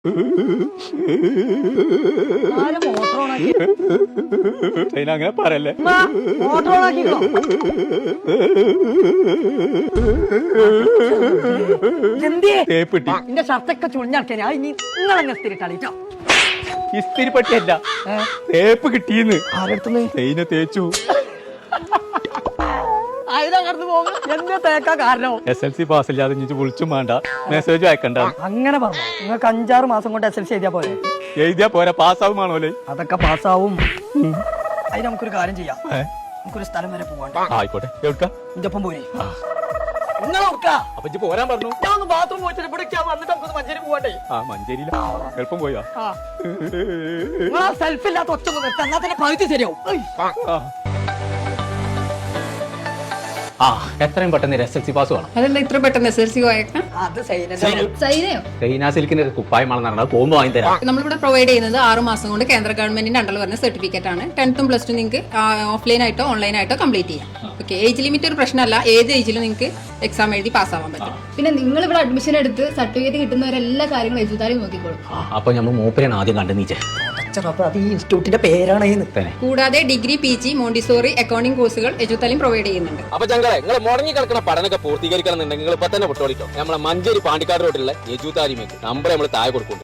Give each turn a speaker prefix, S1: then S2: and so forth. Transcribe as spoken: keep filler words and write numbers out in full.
S1: അങ്ങനെ പറയല്ലേ.
S2: എന്റെ ഷർട്ടൊക്കെ ചുളിഞ്ഞാക്കിയാ ഇനി നിങ്ങളെന്നെ സ്ഥിരിട്ടാളിട്ടോ.
S1: ഇസ്തിരി പട്ടിയല്ല, തേപ്പ് കിട്ടിയെന്ന്.
S2: ആരെടുത്തുന്ന്
S1: തേയിനെ തേച്ചു.
S2: അതിനകത്ത് പോകും. എന്താ തേക്കാ കാരണം?
S1: എസ് എൽ സി പാസ് ഇല്ലാതെ ഇനി വിളിച്ചും വേണ്ട, മെസ്സേജ് അയക്കണ്ട.
S2: അങ്ങനെ പറഞ്ഞു. നിങ്ങൾക്ക് അഞ്ചാറ് മാസം കൊണ്ട് എസ് എൽ സി എഴുതിയാ പോലെ.
S1: എഴുതിയാ പോരാ, പാസ്സാവുമാണോല്ലേ?
S2: അതൊക്കെ പാസ്സാവും. അതിന് നമുക്കൊരു കാര്യം ചെയ്യാം. നമുക്കൊരു സ്ഥലം വരെ പോവാണ്ട്.
S1: ആയിക്കോട്ടെ. എവിടുക്കാ?
S2: എന്റെ ഒപ്പം പോരെ.
S1: അപ്പൊ ഇജ്ജ് പോരാൻ പറഞ്ഞു.
S2: ഞാൻ ഒന്ന് ബാത്റൂം പോയിട്ട് ഇവിടെ വന്നിട്ട് നമുക്ക് മഞ്ചേരി പോവാണ്ടേ.
S1: ആ മഞ്ചേരിയില എളുപ്പം പോയാ.
S2: നിങ്ങൾ ആ സെൽഫ് ഇല്ലാത്ത ഒറ്റ നിർത്താൻ എന്നാ തന്നെ പകുതി ശരിയാവും.
S1: ആ എത്രയും പെട്ടെന്ന് എസ് എൽ സി പാസ് വേണം.
S3: അതെന്താ ഇത്ര പെട്ടെന്ന് എസ് എൽ സി പോയേക്കാം?
S2: അത്
S1: സൈന സിൽക്കിന്റെ കുപ്പായമാണ് നടന്നത്. പോകുമ്പോ വാങ്ങി തരാം.
S3: നമ്മളിവിടെ പ്രൊവൈഡ് ചെയ്യുന്നത് ആറ് മാസം കൊണ്ട് കേന്ദ്ര ഗവൺമെന്റിന്റെ അണ്ടറിൽ വരുന്ന സർട്ടിഫിക്കറ്റ് ആണ്. ടെൻത്തും പ്ലസ് ടു നിങ്ങൾക്ക് ഓഫ്ലൈൻ ആയിട്ടോ ഓൺലൈൻ ആയിട്ടോ കംപ്ലീറ്റ് ചെയ്യാം. ഓക്കെ, ഏജ് ലിമിറ്റ് ഒരു പ്രശ്നമല്ല. ഏത് ഏജിലും നിങ്ങൾക്ക് എക്സാം എഴുതി പാസ്സാവാൻ പറ്റും.
S4: പിന്നെ നിങ്ങൾ ഇവിടെ അഡ്മിഷൻ എടുത്ത് സർട്ടിഫിക്കറ്റ് കിട്ടുന്നവരെല്ലാ കാര്യങ്ങളും എഴുതാനും നോക്കിക്കോളും.
S1: അപ്പൊ നമ്മൾ മൂപ്പരാണ് ആദ്യം കണ്ടു നീച്ചേ.
S2: അത് ഈ ഇൻസ്റ്റിറ്റ്യൂട്ടിന്റെ പേരാണ്.
S3: കൂടാതെ degree, P G, Montessori, accounting കോഴ്സുകൾ എജുതാലിം പ്രൊവൈഡ് ചെയ്യുന്നുണ്ട്.
S5: അപ്പൊ ചങ്കളെ, നിങ്ങൾ മുടങ്ങി കിടക്കുന്ന പഠനമൊക്കെ പൂർത്തീകരിക്കണം എന്നുണ്ടെങ്കിൽ നിങ്ങൾ ഇപ്പൊ തന്നെ പൊട്ടോളിക്കോ. നമ്മളെ മഞ്ചേരി പാണ്ടിക്കാട് റോഡിലുള്ള എജുതാലിമേക്ക് നമ്പർ നമ്മൾ താഴെ കൊടുക്കും.